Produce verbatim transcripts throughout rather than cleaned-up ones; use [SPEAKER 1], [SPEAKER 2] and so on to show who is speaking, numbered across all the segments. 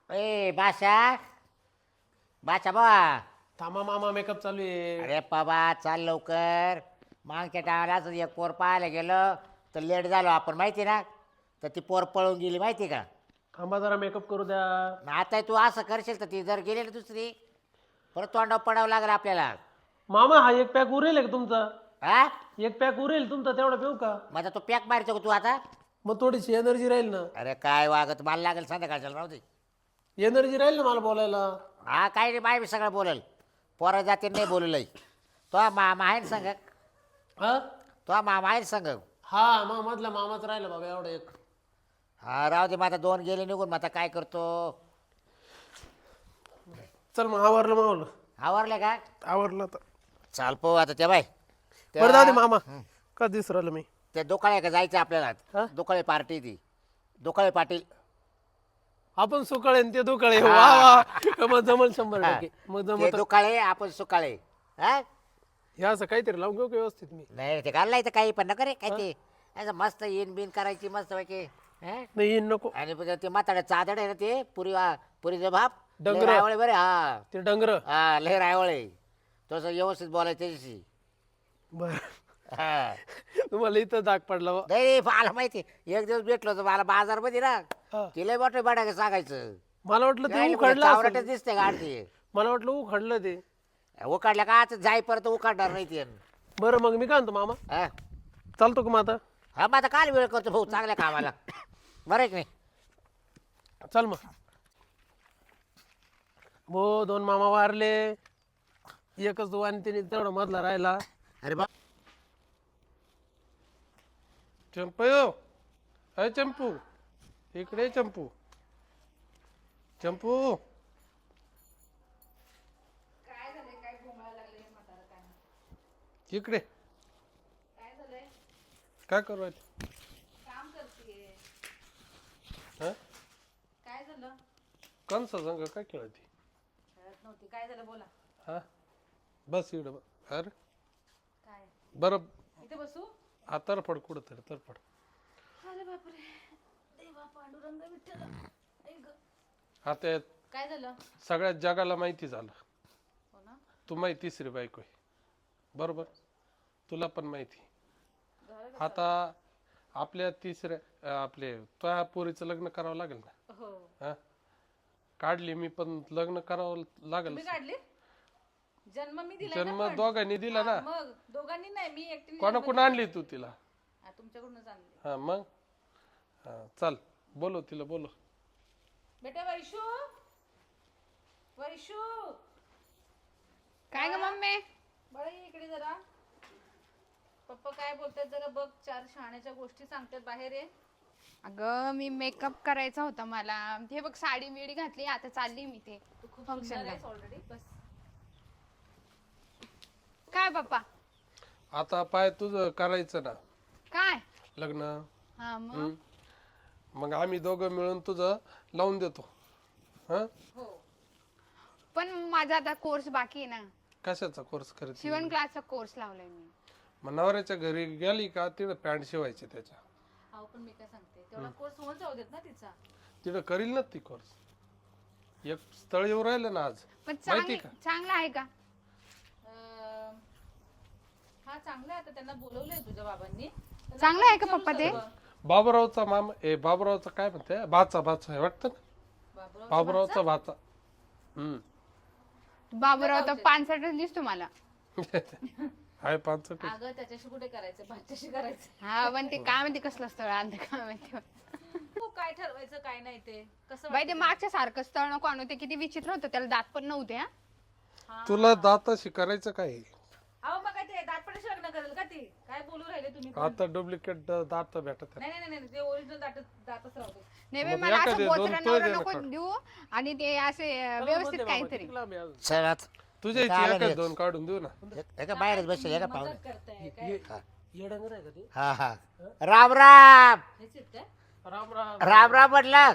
[SPEAKER 1] ए बाशा बाचा बा
[SPEAKER 2] थांबा मामा मेकअप चालू आहे.
[SPEAKER 1] अरे बाबा चाल लवकर. मागच्या टाळालाच एक पोर पाहायला गेलं तर लेट झालो आपण माहिती ना, तर ती पोर पळून गेली माहिती का.
[SPEAKER 2] थांबा जरा मेकअप करू द्या.
[SPEAKER 1] आता तू असं करशील तर ती जर गेली ना दुसरी परत तोंडावर पडावं लागलं आपल्याला.
[SPEAKER 2] मामा हा एक पॅक उरेल का तुमचा?
[SPEAKER 1] हा
[SPEAKER 2] एक पॅक उरेल तुमचा तेवढा पिऊ का?
[SPEAKER 1] माझा तो पॅक मारतो का तू आता?
[SPEAKER 2] मग थोडीशी एनर्जी राहील ना.
[SPEAKER 1] अरे काय वागत मला लागेल संध्याकाळच्याला राहू दे.
[SPEAKER 2] एनर्जी राहील ना मला बोलायला.
[SPEAKER 1] हा काय रे बाय मी सगळं बोलेल. पोरं जाते नाही बोललंय. तो मामा आहे ना संग.
[SPEAKER 2] हा
[SPEAKER 1] तो मामा आहे ना संग.
[SPEAKER 2] हा मग मधला मामाच राहिला बाबा एवढा एक.
[SPEAKER 1] हा राहू दे. मग आता दोन गेले निघून मग आता काय करतो.
[SPEAKER 2] चल मग आवरलं मावलं.
[SPEAKER 1] आवरले का?
[SPEAKER 2] आवरलं तर
[SPEAKER 1] चाल पाहू आता ते बाय.
[SPEAKER 2] बरं जाऊ दे मामा. का दिसू राहिलं मी?
[SPEAKER 1] ते दुकाळे का जायचं
[SPEAKER 2] हा?
[SPEAKER 1] आपल्याला. दुकाळे पार्टी ती दुकाळे पाटील.
[SPEAKER 2] आपण सुकाळे आणि ते दुकाळे. वा वा मग जमल शंभर टक्के. मग
[SPEAKER 1] ते
[SPEAKER 2] जमत
[SPEAKER 1] दुकाळे आपण सुकाळे. हा
[SPEAKER 2] हे असं काहीतरी लावून घेऊ का व्यवस्थित मी?
[SPEAKER 1] नाही ते घाललाय तर काही पण नका रे काय ते असं मस्त इन बिन करायची मस्त पैकी.
[SPEAKER 2] नाही येईन नको.
[SPEAKER 1] आणि पुन्हा ते म्हाताडं चादड आहे ना ते पुरी पुरीचं भाप
[SPEAKER 2] डंगर.
[SPEAKER 1] रायवळे बरे. हा
[SPEAKER 2] ते डंगर.
[SPEAKER 1] हा लय रायवळे. तसं व्यवस्थित बोलायचं त्याच्याशी.
[SPEAKER 2] बर
[SPEAKER 1] हा
[SPEAKER 2] तुम्हाला इथं दाग पडला बा.
[SPEAKER 1] नाही मला माहिती एक दिवस भेटलो होतो मला बाजारमध्ये ना.
[SPEAKER 2] हा.
[SPEAKER 1] तिला मोठे बडा सांगायचं.
[SPEAKER 2] मला वाटलं ते
[SPEAKER 1] काय
[SPEAKER 2] उखडलं
[SPEAKER 1] चावराटच
[SPEAKER 2] असेल.
[SPEAKER 1] दिसते गाडती.
[SPEAKER 2] मला वाटलं उखडलं ते.
[SPEAKER 1] उकाडल्या का आता जाई परत उकाडणार नाही ते.
[SPEAKER 2] बरं मग मी काय म्हणतो मामा,
[SPEAKER 1] हा
[SPEAKER 2] चालतो का मग आता?
[SPEAKER 1] हा मग आता काल वेळ करतो भाऊ चांगल्या कामाला. बरं आहे की नाही?
[SPEAKER 2] चल मग. हो दोन मामा वारले, एकच तो आणि तिने तेवढा मधला राहिला.
[SPEAKER 1] अरे बा
[SPEAKER 2] चंपू अय चंपू इकडे ये चंपू. चंपू इकडे काय करू राहिले?
[SPEAKER 3] काम करतेय.
[SPEAKER 2] हा
[SPEAKER 3] काय झालं?
[SPEAKER 2] कंस संग काय खेळती?
[SPEAKER 3] कळत नव्हती. काय झालं बोला.
[SPEAKER 2] हा बस इकडे बस. अरे
[SPEAKER 3] काय
[SPEAKER 2] बरं
[SPEAKER 3] इथे बसू?
[SPEAKER 2] हा तरफड कुठं तरी तरफड.
[SPEAKER 3] अरे बापरे. देवा पांडुरंग विठ्ठल. आई ग.
[SPEAKER 2] आता
[SPEAKER 3] काय झालं?
[SPEAKER 2] सगळ्या जगाला माहिती झालं
[SPEAKER 3] हो ना.
[SPEAKER 2] तू माहिती तिसरी बायको आहे. बरोबर तुला पण माहिती.
[SPEAKER 3] झालं का?
[SPEAKER 2] आता आपल्या तिसऱ्या अं, आपले त्या पोरीचं लग्न करावं लागेल ना.
[SPEAKER 3] हो.
[SPEAKER 2] हा काढली मी पण लग्न करावं लागेल.
[SPEAKER 3] तुम्ही काढली? जन्म मी दिला
[SPEAKER 2] जन्म दोघांनी दिला ना.
[SPEAKER 3] मग दोघांनी नाही, मी एकटीने.
[SPEAKER 2] कोणाकडून आणली तू तिला?
[SPEAKER 3] हा, तुमच्याकडूनच आणली.
[SPEAKER 2] हा मग हा चल बोलो तिला बोलो.
[SPEAKER 3] बेटा वैशू, वैशू
[SPEAKER 4] काय ग मम्मी?
[SPEAKER 3] बरं ये इकडे जरा. पप्पा काय बोलतात जरा बघ. चार शहाण्याच्या गोष्टी सांगतात बाहेर ये.
[SPEAKER 4] अगं मी मेकअप करायचा होता मला. हे बघ साडी मिडी घातली, आता चालली मी ते फंक्शनला.
[SPEAKER 3] ऑलरेडी बस.
[SPEAKER 4] काय पप्पा?
[SPEAKER 2] आता पाय तुझं करायचं ना
[SPEAKER 4] काय?
[SPEAKER 2] लग्न.
[SPEAKER 4] हा मग
[SPEAKER 2] हम्म. मग आम्ही दोघं मिळून तुझं लावून देतो. हा
[SPEAKER 3] हो.
[SPEAKER 4] पण माझा आता कोर्स बाकी आहे ना.
[SPEAKER 2] कशाचा कोर्स करते?
[SPEAKER 4] शिवण क्लासचा कोर्स लावलाय मी.
[SPEAKER 2] मग नवऱ्याच्या घरी गेली का तिथं पॅन्ट शिवायची त्याच्या.
[SPEAKER 3] अहो पण मी काय सांगते, तेवढा कोर्स होऊन जाऊ देत ना तिचा.
[SPEAKER 2] तिथं करील ना ती कोर्स. एक स्थळ येऊ राहिलं ना आज.
[SPEAKER 4] पण
[SPEAKER 2] माहिती
[SPEAKER 4] चांगली
[SPEAKER 2] का?
[SPEAKER 4] चांगला आहे का?
[SPEAKER 3] अं, हा चांगला आहे. आता त्यांना बोलवलंय तुझ्या बाबांनी. त्यांना
[SPEAKER 4] चांगलं आहे का
[SPEAKER 3] विचारू
[SPEAKER 4] पप्पा ते?
[SPEAKER 3] सर्व.
[SPEAKER 2] बाबुरावचा मामा ए बाबुरावचा काय म्हणते भाचा भाचा आहे वाटतं ना.
[SPEAKER 3] बाबूराव
[SPEAKER 2] बाबुरावचा भाचा. हम्म
[SPEAKER 4] बाबूराव तर पानसटच दिसतो मला.
[SPEAKER 2] हाय पाच.
[SPEAKER 3] अगं त्याच्याशी कुठे करायचं, भाच्याशी करायचं.
[SPEAKER 4] हा पण ते काय म्हणते कसलं स्थळ आणलं काय माहिती.
[SPEAKER 3] हो, काय ठरवायचं काय नाही ते कसं
[SPEAKER 4] बाई ते मागच्या सारखं स्थळ नको आणू. ते किती विचित्र होतं, त्याला दात पण नव्हते. हा
[SPEAKER 3] हा.
[SPEAKER 2] तुला दाताशी करायचं काय?
[SPEAKER 3] अहो मग काय ते दातपणाशी लग्न करेल का ती? काय बोलू राहिले तुम्ही पण?
[SPEAKER 2] आता डुप्लिकेट दात भेटत आहे.
[SPEAKER 3] नाही नाही नाही नाही, ते ओरिजिनल दात दातच राहू दे.
[SPEAKER 4] नाही बाई,
[SPEAKER 2] मग
[SPEAKER 4] मला
[SPEAKER 2] एखादे
[SPEAKER 4] असं
[SPEAKER 2] दोन
[SPEAKER 4] बोचरा
[SPEAKER 2] तोय
[SPEAKER 4] नवरा
[SPEAKER 2] दे ना
[SPEAKER 4] नको
[SPEAKER 2] काढून.
[SPEAKER 4] देऊ. आणि ते असे व्यवस्थित काहीतरी.
[SPEAKER 1] चल आता.
[SPEAKER 2] तुझ्या इथे
[SPEAKER 1] काय
[SPEAKER 2] एखाद
[SPEAKER 1] नाही.
[SPEAKER 2] दोन काढून देऊ ना.
[SPEAKER 1] एक- एका बाहेरच बसेल एका पाहुणे.
[SPEAKER 3] मजाक करताय काय?
[SPEAKER 2] येडंगर आहे का ते?
[SPEAKER 1] हा हा राम राम
[SPEAKER 3] हेच आहेत काय?
[SPEAKER 2] राम राम.
[SPEAKER 1] राम राम म्हटलं.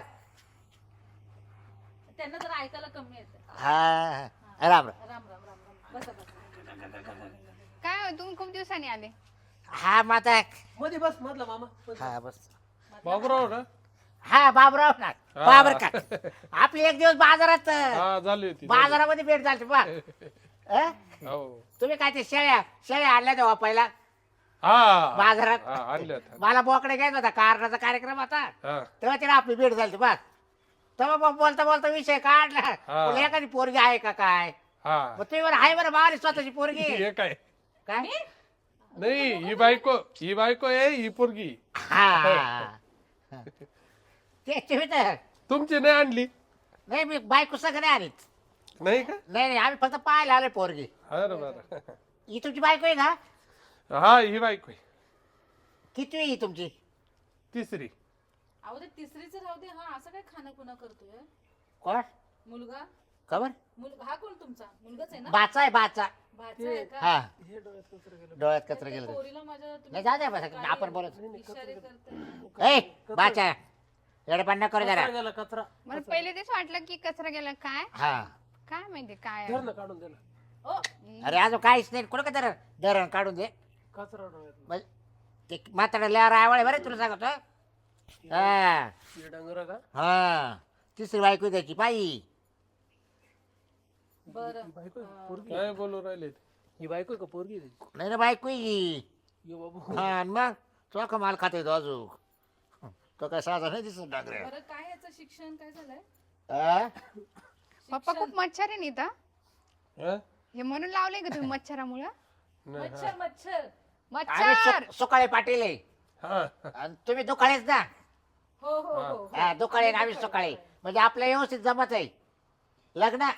[SPEAKER 3] त्यांना जरा ऐकायला कमी येतं.
[SPEAKER 1] हा हा. राम राम.
[SPEAKER 3] राम राम राम राम. बसा बसा.
[SPEAKER 4] काय हो, तुम्ही खूप दिवसांनी आले.
[SPEAKER 1] हा माता.
[SPEAKER 2] मध्ये बस मधला मामा.
[SPEAKER 1] हा बस.
[SPEAKER 2] बाबुराव ना
[SPEAKER 1] हा बाबराव ना
[SPEAKER 5] हा.
[SPEAKER 1] बाबर का आपली एक दिवस बाजारात
[SPEAKER 5] हा झाली होती झाली.
[SPEAKER 1] बाजारामध्ये भेट झाली बा अं?
[SPEAKER 5] हो
[SPEAKER 1] तुम्ही काय ते शेळ्या शेळ्या आणल्या तेव्हा पहिला
[SPEAKER 5] हा
[SPEAKER 1] बाजारात
[SPEAKER 5] हा, आणल्या होत्या.
[SPEAKER 1] मला बोकडे घ्यायचा होता कारणाचा कार्यक्रम होता
[SPEAKER 5] हा
[SPEAKER 1] तेव्हा तिला आपली भेट झाली बस तेव्हा मग बोलता बोलता विषय काढला
[SPEAKER 5] हा.
[SPEAKER 1] बोलले, एखादी पोरगी आहे का काय
[SPEAKER 5] हा
[SPEAKER 1] मग तुम्ही बरं आहे बरं मावली स्वतःची पोरगी
[SPEAKER 5] हे काय
[SPEAKER 1] काय
[SPEAKER 5] नाही ही बायको ही बायको आहे ही पोरगी
[SPEAKER 1] हा ते तुम्ही तर
[SPEAKER 5] तुमची नाही आणली
[SPEAKER 1] नाही मी बायको सगळं नाही आलीच
[SPEAKER 5] नाही का
[SPEAKER 1] नाही नाही आम्ही फक्त पाहायला आलोय पोरगी
[SPEAKER 5] बरं बरं
[SPEAKER 1] ही तुमची बायको आहे का
[SPEAKER 5] हा ही बायको आहे.
[SPEAKER 1] किती ही तुमची
[SPEAKER 5] तिसरी
[SPEAKER 3] अहो ते तिसरीच राहू दे. हा असं काय खाणं खुणं करतोय
[SPEAKER 1] कोण
[SPEAKER 3] मुलगा
[SPEAKER 1] खबर
[SPEAKER 3] मुल हा कोण तुमचा मुलगाच आहे ना
[SPEAKER 1] बाचा आहे बाचा
[SPEAKER 3] भाचा आहे का
[SPEAKER 1] हा
[SPEAKER 2] हे डोळ्यात कचरा गेलं.
[SPEAKER 1] डोळ्यात कचरा
[SPEAKER 3] त्या
[SPEAKER 1] गेलं
[SPEAKER 3] पोरीला माझ्या तुम्ही
[SPEAKER 1] नाही जाऊ द्या बस
[SPEAKER 3] काय
[SPEAKER 1] आपण बोलत
[SPEAKER 3] इशारे करताय
[SPEAKER 1] ए बाचा एडपण करू जरा
[SPEAKER 2] कचरा गेला कचरा
[SPEAKER 4] मला पहिले तेच वाटलं की कचरा गेला काय
[SPEAKER 1] हा
[SPEAKER 4] काय माहिती काय
[SPEAKER 2] धर ना काढून दिला
[SPEAKER 3] ओ
[SPEAKER 1] अरे अजून काहीच नाही कुठं का धरण धरण काढून दे
[SPEAKER 2] कचरा डोळ्यात
[SPEAKER 1] मग ते म्हातारा लिहार आवळे बरं तुला सांगतो हा
[SPEAKER 2] हे डंगर का
[SPEAKER 1] हा तिसरी बायको त्याची पायी
[SPEAKER 3] बरं
[SPEAKER 2] बायको आहे? पोरगी
[SPEAKER 5] काय बोलू राहिले ते?
[SPEAKER 2] ही बायको आहे का पोरगी आहे त्याची?
[SPEAKER 1] नाही ना बायको ही
[SPEAKER 2] ये बाबू
[SPEAKER 1] हा आणि मग तो का माल खात येतो अजून तो काय साधा नाही दिसत डागरे
[SPEAKER 3] बरं काय याचं शिक्षण काय झालंय
[SPEAKER 1] हा?
[SPEAKER 4] पप्पा खूप मच्छर आहे नी इथं
[SPEAKER 5] हा?
[SPEAKER 4] हे म्हणून लावले का तुम्ही मच्छरामुळं
[SPEAKER 5] नाही,
[SPEAKER 3] मच्छर मच्छर
[SPEAKER 1] आम्ही
[SPEAKER 4] मच्छर
[SPEAKER 1] सु- सुकाळे पाटील आहे
[SPEAKER 5] हा
[SPEAKER 1] आणि तुम्ही दुकाळेच ना
[SPEAKER 3] हो हो हो
[SPEAKER 1] हा दुकाळे आणि आम्ही सुकाळे म्हणजे आपलं व्यवस्थित जमत आहे लग्न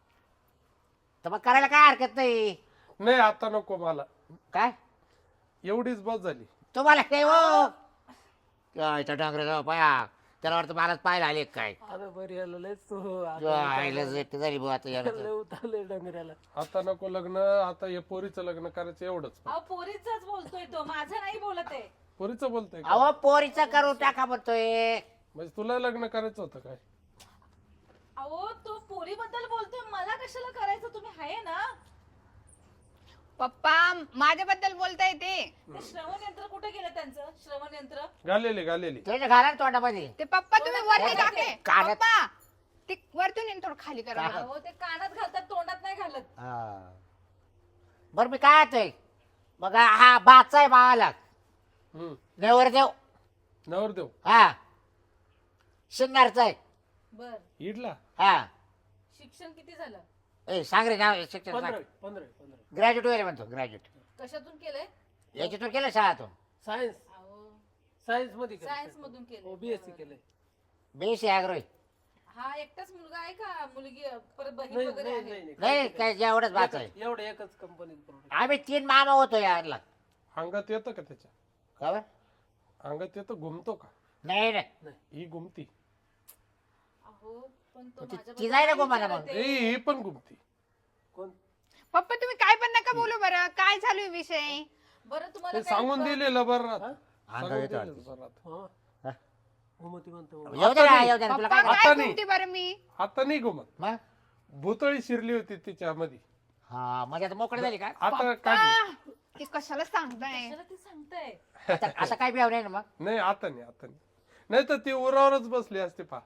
[SPEAKER 1] तर मग करायला काय हरकत नाही
[SPEAKER 5] नाही आता नको मला
[SPEAKER 1] काय
[SPEAKER 5] एवढीच बस झाली
[SPEAKER 1] तुम्हाला काय हो काय त्या डांगरे जाऊ पाया त्याला वाटतं मलाच पाहायला आले काय
[SPEAKER 2] आता बरी आलं लयच तो
[SPEAKER 1] जो आईला जेट झाली बुवा आता याला
[SPEAKER 2] लय
[SPEAKER 1] तर.
[SPEAKER 2] उतारलंय डंगऱ्याला
[SPEAKER 5] आता नको लग्न आता हे पोरीचं लग्न करायचं एवढंच
[SPEAKER 3] अहो पोरीचाच बोलतोय तो माझं नाही बोलत आहे
[SPEAKER 5] पोरीचं बोलतोय का?
[SPEAKER 1] अहो पोरीचं करून टाका म्हणतोय
[SPEAKER 5] म्हणजे तुला लग्न करायचं होतं काय
[SPEAKER 3] अहो तो पोरीबद्दल बोलतोय मला कशाला करायचं तुम्ही आहे ना
[SPEAKER 4] पप्पा माझ्याबद्दल बोलताय ते
[SPEAKER 3] ते श्रवण यंत्र कुठे गेलं त्यांचं श्रवण यंत्र
[SPEAKER 5] घालेली घालेली
[SPEAKER 1] त्याच्या घाला ना तोंडामध्ये
[SPEAKER 4] ते पप्पा तुम्ही वरती
[SPEAKER 3] कानात-
[SPEAKER 4] टाके
[SPEAKER 1] कानात-
[SPEAKER 4] पप्पा ते वरतून येऊन थोडं खाली करा मला.
[SPEAKER 3] अहो ते कानात घालतात तोंडात नाही घालत
[SPEAKER 1] हा. बरं मी काय येतोय मग हा बाचा आहे मावाला
[SPEAKER 5] हम्म
[SPEAKER 1] नेवरदेव
[SPEAKER 5] नवरदेव
[SPEAKER 1] हा शिंगारचा आहे
[SPEAKER 3] बर
[SPEAKER 5] इडला
[SPEAKER 1] हा
[SPEAKER 3] शिक्षण किती झालं
[SPEAKER 1] ए सांग रे नाव शिक्षण
[SPEAKER 2] पंधरा
[SPEAKER 1] सांग
[SPEAKER 2] पंधरा पंधरा
[SPEAKER 1] ग्रॅज्युएट वगैरे म्हणतो ग्रॅज्युएट
[SPEAKER 3] कशातून केलंय
[SPEAKER 1] याच्यातून केलं शाळातून
[SPEAKER 2] सायन्स
[SPEAKER 3] अहो
[SPEAKER 2] सायन्स मध्ये
[SPEAKER 3] सायन्स मधून केलंय
[SPEAKER 2] बीएससी केलंय
[SPEAKER 1] बेसी आग्रही
[SPEAKER 3] हा एकटाच मुलगा आहे का मुलगी परत बहीण
[SPEAKER 2] नाही
[SPEAKER 3] वगैरे
[SPEAKER 2] नाही
[SPEAKER 3] आहे
[SPEAKER 2] नाही
[SPEAKER 1] नाही काय एवढंच बाच आहे
[SPEAKER 2] एकच- एवढं एकच कंपनीत प्रोडक्ट
[SPEAKER 1] आम्ही तीन मामा होतो यारला
[SPEAKER 5] अंगात येतं का त्याच्या
[SPEAKER 1] खबर
[SPEAKER 5] अंगात येतं घुमतो का
[SPEAKER 1] नाही नाही
[SPEAKER 5] ही घुमती
[SPEAKER 3] अहो पण तो
[SPEAKER 1] ती-
[SPEAKER 3] माझ्याबद्दल
[SPEAKER 1] ती जाय ना
[SPEAKER 3] काय
[SPEAKER 1] गोमाला
[SPEAKER 3] विचारत
[SPEAKER 1] मग.
[SPEAKER 3] आहे?
[SPEAKER 5] ए, ही पण घुमती
[SPEAKER 2] कोण
[SPEAKER 4] पप्पा तुम्ही काय पण नका बोलू बरं काय चालू आहे विषय
[SPEAKER 3] बरं तुम्हाला
[SPEAKER 5] ते
[SPEAKER 3] काय-
[SPEAKER 5] सांगून दिलेलं बरं राहत.
[SPEAKER 1] अंगात
[SPEAKER 5] सांगून
[SPEAKER 1] येतं
[SPEAKER 5] दिलेलं बरं राहत.
[SPEAKER 2] हा
[SPEAKER 1] हा.
[SPEAKER 2] घुमती म्हणतो
[SPEAKER 1] येऊ दे ना येऊ दे ना तुला
[SPEAKER 4] पप्पा
[SPEAKER 1] काय
[SPEAKER 5] आता
[SPEAKER 4] काय
[SPEAKER 5] नाही.
[SPEAKER 4] बोलते बरं मी
[SPEAKER 5] आता नाही घुमत
[SPEAKER 1] मग
[SPEAKER 5] भुतळी शिरली होती तिच्यामध्ये
[SPEAKER 1] हा म्हणजे आता मोकळी झाली का
[SPEAKER 5] आता काढली
[SPEAKER 4] आ, ते कशाला सांगताय
[SPEAKER 3] कशाला ते सांगताय
[SPEAKER 1] आता आता काय बिहाव नाही ना मग
[SPEAKER 5] नाही आता नाही आता नाही नाही तर ती उरावरच बसली असते पा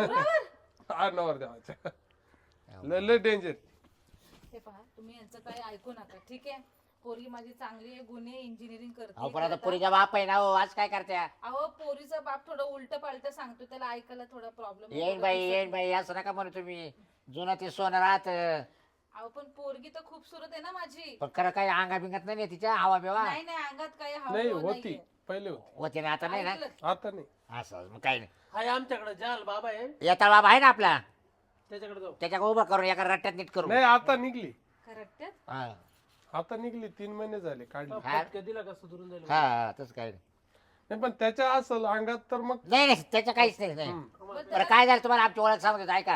[SPEAKER 5] हा नवर देवाच्या लय लय डेंजर
[SPEAKER 3] हे पहा तुम्ही यांचं काही ऐकू नका ठीक आहे पोरगी माझी चांगली आहे गुन्हे इंजिनिअरिंग
[SPEAKER 1] अहो पण
[SPEAKER 3] करते
[SPEAKER 1] आता पुरीचा बाप आहे ना हो आज काय करत्या
[SPEAKER 3] अहो पोरीचा बाप थोडं उलट पालट सांगतो त्याला ऐकायला थोडा प्रॉब्लेम
[SPEAKER 1] येईन बाई येईन बाई असं नका म्हणू तुम्ही जुनं ते सोनं राहत
[SPEAKER 3] अहो पण पोरगी तर खूप सुरत आहे ना माझी
[SPEAKER 1] पण खरं काही अंगा बिंगात नाही तिच्या हवा बिवा
[SPEAKER 3] नाही नाही अंगात काही हवा
[SPEAKER 5] नाही
[SPEAKER 3] बिवा
[SPEAKER 5] होती
[SPEAKER 3] नाहीये.
[SPEAKER 5] पहिले होती
[SPEAKER 1] होते ना आता नाही ना
[SPEAKER 3] ऐकलं?
[SPEAKER 5] आता नाही
[SPEAKER 1] असं मग काही नाही
[SPEAKER 2] हाय आमच्याकडे जाल बाबा आहे
[SPEAKER 1] येता बाबा आहे ना आपला
[SPEAKER 2] त्याच्याकडे जाऊ
[SPEAKER 1] त्याच्या उभं करून एका रट्ट्यात नीट करू
[SPEAKER 5] नाही आता निघली
[SPEAKER 3] Correct आहे?
[SPEAKER 1] हा
[SPEAKER 5] आता निघली तीन महिने झाले काढली
[SPEAKER 2] फटका दिला का सुधरून जाईल
[SPEAKER 1] हा तसं काही नाही
[SPEAKER 5] नाही पण त्याच्या असल अंगात तर मग
[SPEAKER 1] नाही नाही त्याचं काहीच नाही नाही
[SPEAKER 5] हम्म.
[SPEAKER 3] पण
[SPEAKER 1] बरं
[SPEAKER 3] त्याला-
[SPEAKER 1] काय झालं तुम्हाला आमची ओळख सांगतो ऐका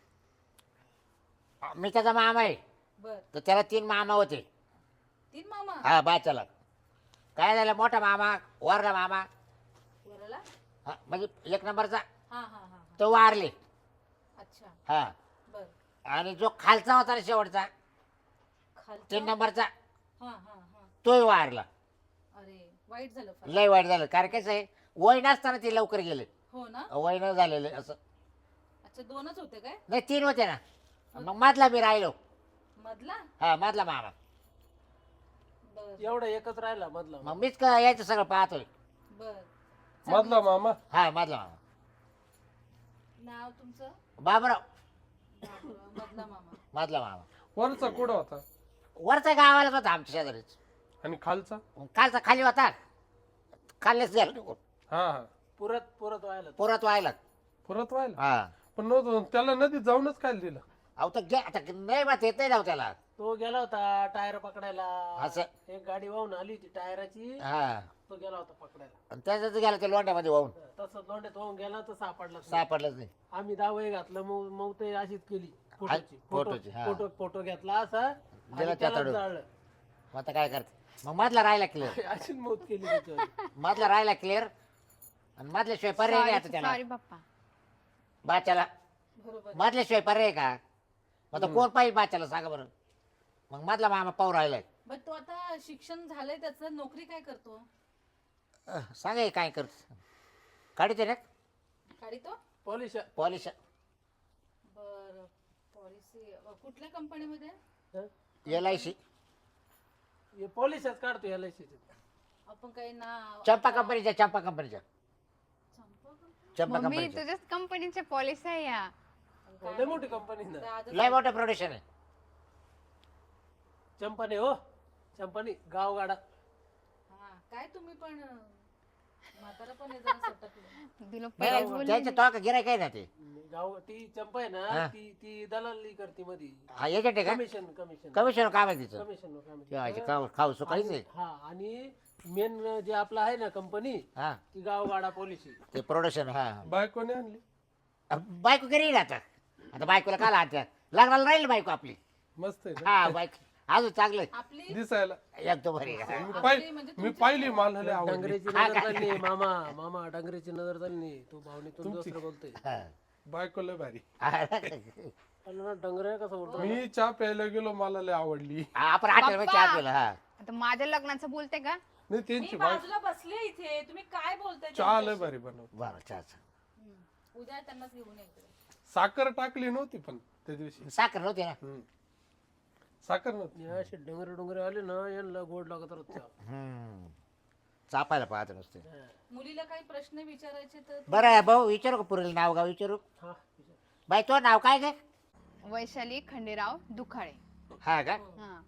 [SPEAKER 1] मी त्याचा मामा आहे
[SPEAKER 3] बर
[SPEAKER 1] तर त्याला तीन मामा होते
[SPEAKER 3] तीन मामा
[SPEAKER 1] हा बाच्याला काय झालं मोठा मामा वरला मामा
[SPEAKER 3] वराला
[SPEAKER 1] हा, म्हणजे एक नंबरचा
[SPEAKER 3] हा हा हा हा.
[SPEAKER 1] तो वारले
[SPEAKER 3] अच्छा
[SPEAKER 1] हा
[SPEAKER 3] बर
[SPEAKER 1] आणि जो खालचा होता ना शेवटचा
[SPEAKER 3] खालचा
[SPEAKER 1] तीन नंबरचा
[SPEAKER 3] हा हा हा
[SPEAKER 1] तोही वारला
[SPEAKER 3] अरे वाईट झालं फार.
[SPEAKER 1] लय वाईट झालं कारण कसं आहे वय नसताना ते लवकर गेले
[SPEAKER 3] हो हो ना
[SPEAKER 1] वय न झालेलं असं.
[SPEAKER 3] अच्छा दोनच होते काय
[SPEAKER 1] नाही तीन होते ना. मग मधला मी राहिलो.
[SPEAKER 3] मधला
[SPEAKER 1] हा मधला मामा.
[SPEAKER 3] बर
[SPEAKER 2] एवढा एकच राहिला मधला.
[SPEAKER 1] मग मीच का यायचं सगळं पाहतोय.
[SPEAKER 3] बर
[SPEAKER 5] मधला मामा
[SPEAKER 1] हा मधला मामा.
[SPEAKER 3] नाव तुमचं
[SPEAKER 1] बाबराव.
[SPEAKER 3] बाबा, मधला मामा
[SPEAKER 1] मधला मामा.
[SPEAKER 5] वरचा कुठं होता
[SPEAKER 1] वरचा गावालाच होता आमच्या शेजारीच.
[SPEAKER 5] आणि खालचा
[SPEAKER 1] कालचा खाली होता. खाल्लेच गेला निघून.
[SPEAKER 5] हा हा
[SPEAKER 2] पुरत पुरत व्हायला.
[SPEAKER 1] परत व्हायला.
[SPEAKER 5] परत व्हायला
[SPEAKER 1] हा
[SPEAKER 5] पण नव्हतं त्याला नदीत जाऊनच काय दिलं
[SPEAKER 1] अहो तर गे आता नाही बात येत नाही ना हो त्याला.
[SPEAKER 2] तो गेला होता टायर पकडायला.
[SPEAKER 1] असं.
[SPEAKER 2] एक गाडी वाहून आली होती टायराची.
[SPEAKER 1] हा
[SPEAKER 2] तो गेला होता पकडायला.
[SPEAKER 1] आणि त्याच्यात गेला ते लोंड्यामध्ये वाहून.
[SPEAKER 2] तसं लोंड्यात वाहून गेला तर सापडला नाही.
[SPEAKER 1] सापडलंच नाही.
[SPEAKER 2] आम्ही दावे घातलं मग मग ते अशीच केली फोटोची फोटो
[SPEAKER 1] फोटोची, हा.
[SPEAKER 2] फोटो फोटो घेतला असा
[SPEAKER 1] दिला
[SPEAKER 2] आणि त्याला
[SPEAKER 1] त्याच्याकडून.
[SPEAKER 2] जाळलं.
[SPEAKER 1] मग आता काय करते. मग मधला राहिला क्लिअर.
[SPEAKER 2] अशीच मौत केली त्याच्यावर.
[SPEAKER 1] मधला राहिला क्लिअर. आणि मधल्याशिवाय पर्याय नाही आता त्याला.
[SPEAKER 4] सॉरी पप्पा.
[SPEAKER 1] बाच्याला
[SPEAKER 3] बरोबर
[SPEAKER 1] मधल्याशिवाय पर्याय का. मग आता कोण पाहिजे बाच्याला सांगा बरं. मग मधला मामा पाहू राहिलाय.
[SPEAKER 3] बर तो आता शिक्षण झालंय त्याचं नोकरी काय करतो
[SPEAKER 1] अह, सांगा हे काय करत. काढते ना
[SPEAKER 3] गाडी तो
[SPEAKER 2] पॉलिश
[SPEAKER 1] पॉलिश.
[SPEAKER 3] बर पॉलिसी कुठल्या कंपनीमध्ये
[SPEAKER 1] एल आय सी.
[SPEAKER 2] हे पॉलिशच काढतो एल आय सी.
[SPEAKER 3] आपण काही नाव
[SPEAKER 1] चंपा कंपनीच्या चंपा कंपनीच्या
[SPEAKER 3] चंपा company?
[SPEAKER 1] चंपा
[SPEAKER 4] मम्मी
[SPEAKER 1] कंपनीच्या
[SPEAKER 4] तुझ्याच कंपनीचे पॉलिसी आहे या.
[SPEAKER 2] लय मोठी कंपनी ना.
[SPEAKER 3] दादा-
[SPEAKER 1] लय मोठं प्रोडक्शन आहे.
[SPEAKER 2] चंपाने हो चंपाने गावगाडा.
[SPEAKER 3] हा काय तुम्ही पण अं, म्हातारा पण आहे जरा सटकलं
[SPEAKER 4] तुला
[SPEAKER 1] नाही,
[SPEAKER 4] पहिलेच
[SPEAKER 1] नाही,
[SPEAKER 4] बोलले
[SPEAKER 1] त्याचं तो का गिराय काय ना ते.
[SPEAKER 2] गाव ती चंपा आहे
[SPEAKER 1] हा.
[SPEAKER 2] ना ती ती दलाली करते मध्ये.
[SPEAKER 1] हा एजंट आहे का.
[SPEAKER 2] कमिशन कमिशन
[SPEAKER 1] कमिशन काम आहे तिचं.
[SPEAKER 2] कमिशन
[SPEAKER 1] ठेवायचे खाऊ खाऊ सुकाळीच आहे.
[SPEAKER 2] हा आणि मेन जे आपलं आहे ना कंपनी
[SPEAKER 1] हा
[SPEAKER 2] ती गावगाडा पॉलिसी.
[SPEAKER 1] ते प्रोडक्शन. हा
[SPEAKER 5] बायकोने आणली
[SPEAKER 1] अ, बायको घरी येईल आता. आता बायकोला काला आता लग्नाला राहील बायको आपली.
[SPEAKER 5] मस्त आहे ना
[SPEAKER 1] हा बायक अजून चांगलं आहे.
[SPEAKER 3] आपली
[SPEAKER 5] दिसायला
[SPEAKER 1] एकदम भारी आहे.
[SPEAKER 5] मी
[SPEAKER 3] आपली
[SPEAKER 5] पाहिली
[SPEAKER 3] म्हणजे
[SPEAKER 5] मी पाहिली मला लय आवडली
[SPEAKER 2] डांगरेची
[SPEAKER 1] हा,
[SPEAKER 2] नजर
[SPEAKER 1] काय?
[SPEAKER 2] चालली मामा मामा डांगरेची नजर चालली. तू भावनेतून दुसरं बोलतोय.
[SPEAKER 1] हा.
[SPEAKER 5] बायको लय भारी
[SPEAKER 2] अरे डंगरे कसं बोलतो.
[SPEAKER 5] मी चहा प्यायला गेलो मला लय आवडली
[SPEAKER 1] हा, आपण हॉटेल मध्ये चहा पिला. हा
[SPEAKER 4] आता माझ्या लग्नाचं बोलते का.
[SPEAKER 5] नाही
[SPEAKER 3] मी
[SPEAKER 5] त्यांची बायको
[SPEAKER 3] बाजूला बसले इथे तुम्ही काय बोलताय
[SPEAKER 5] चहा लय
[SPEAKER 3] त्यांच्याशी?
[SPEAKER 5] भारी बनवत
[SPEAKER 1] बरं चहाचं.
[SPEAKER 3] हम्म. उद्या त्यांनाच घेऊन यायचं
[SPEAKER 5] साखर टाकली नव्हती पण त्या दिवशी
[SPEAKER 1] साखर नव्हती ना.
[SPEAKER 5] हम्म. साखर नव्हती
[SPEAKER 2] हे असे डोंगरे डोंगरे आले ना यांना गोड लागत रोजच्या.
[SPEAKER 1] हम्म. चापायला पाहत नसते.
[SPEAKER 3] मुलीला काही प्रश्न विचारायचे तर
[SPEAKER 1] बरं आहे भाऊ विचारू का पुरेल नाव गाव विचारू.
[SPEAKER 2] हा
[SPEAKER 1] बाई तो नाव काय ग.
[SPEAKER 4] वैशाली खंडेराव दुखाळे.
[SPEAKER 1] हा का
[SPEAKER 4] हा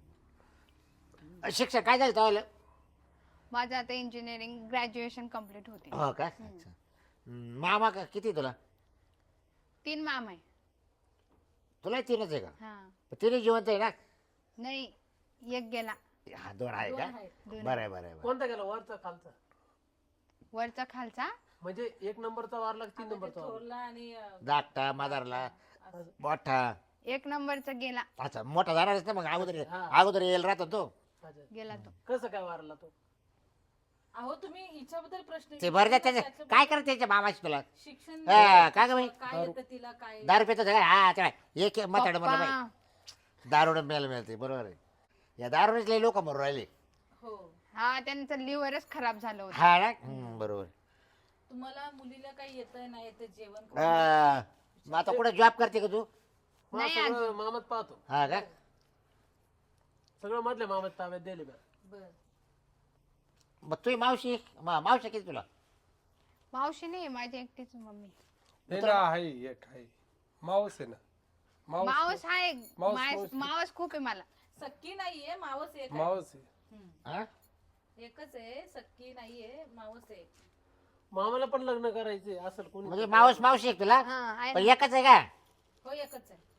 [SPEAKER 1] शिक्षण काय झालं तो.
[SPEAKER 4] माझं आता इंजिनिअरिंग ग्रॅज्युएशन कम्प्लीट होते.
[SPEAKER 1] हो का अच्छा. हम्म, मामा का किती तुला.
[SPEAKER 4] तीन माम आहे.
[SPEAKER 1] तुला तीनच आहे का.
[SPEAKER 4] हा
[SPEAKER 1] तिने जिवंत आहे ना.
[SPEAKER 4] नाही एक गेला.
[SPEAKER 1] हा दोन आहे
[SPEAKER 3] दोन
[SPEAKER 1] का.
[SPEAKER 3] आहेत.
[SPEAKER 4] दोन
[SPEAKER 1] बरं आहे बरं आहे बरं
[SPEAKER 2] कोणता गेला वरचा खालचा
[SPEAKER 4] वरचा खालचा.
[SPEAKER 2] म्हणजे एक नंबरचा वारला की तीन
[SPEAKER 3] आता ते
[SPEAKER 2] नंबरचा वारला.
[SPEAKER 3] थोरला आणि अं,
[SPEAKER 1] आहे. धाकटा मादारला मोठा.
[SPEAKER 4] एक नंबरचा गेला.
[SPEAKER 1] अच्छा मोठा जाणारच ना मग अगोदर
[SPEAKER 2] हा.
[SPEAKER 1] अगोदर येईल राहतो तो.
[SPEAKER 2] अच्छा.
[SPEAKER 4] गेला तो.
[SPEAKER 2] कसं काय वारला तो.
[SPEAKER 3] अहो तुम्ही हिच्याबद्दल प्रश्न
[SPEAKER 1] ते बरं
[SPEAKER 3] विचारला,
[SPEAKER 1] त्याचं
[SPEAKER 3] त्याच्याबद्दल
[SPEAKER 1] काय करत त्याच्या मामाची तुला.
[SPEAKER 3] शिक्षण
[SPEAKER 1] हा, का गं बाई?
[SPEAKER 3] काय येतं तिला काय
[SPEAKER 1] दारू पितो सगळं हा तेव्हा एक म्हाताड म्हणलं
[SPEAKER 4] पप्पा,
[SPEAKER 1] बाई दारू मिळायला मिळते बरोबर आहे. या दारूनेच लई लोक मरून राहिले.
[SPEAKER 3] हो
[SPEAKER 4] हा त्यांचं लिव्हरच खराब झालं होतं.
[SPEAKER 1] हा ना हम्म, बरोबर.
[SPEAKER 3] तुम्हाला मुलीला काही येतंय नाही येतं जेवण
[SPEAKER 1] हा, मग आता कुठे जॉब करते का तू.
[SPEAKER 2] मग
[SPEAKER 4] नाही
[SPEAKER 2] सगळं मामात पाहतो.
[SPEAKER 1] हा का
[SPEAKER 2] सगळं मधल्या मामात ताब्यात दिले बा.
[SPEAKER 3] बर
[SPEAKER 1] मग तुझी मावशी मा- मावशी किती तुला.
[SPEAKER 4] मावशी नाही माझी एकटीच मम्मी.
[SPEAKER 5] नाही ना आहे एक आहे मावस आहे ना मावस
[SPEAKER 4] मावस आहे.
[SPEAKER 5] मावस-
[SPEAKER 4] मावस
[SPEAKER 5] मावस.
[SPEAKER 4] मावस खूप आहे मला.
[SPEAKER 3] सक्की नाहीये मावस एक आहे.
[SPEAKER 5] मावस आहे
[SPEAKER 3] हम्म.
[SPEAKER 1] हा
[SPEAKER 3] एकच आहे सक्की नाहीये मावस एक
[SPEAKER 2] मामाला पण लग्न करायचे असेल कोणी.
[SPEAKER 1] म्हणजे मावस मावशी आहे तुला.
[SPEAKER 4] हा आहे
[SPEAKER 1] पण
[SPEAKER 4] ना.
[SPEAKER 1] एकच आहे का.
[SPEAKER 3] हो एकच आहे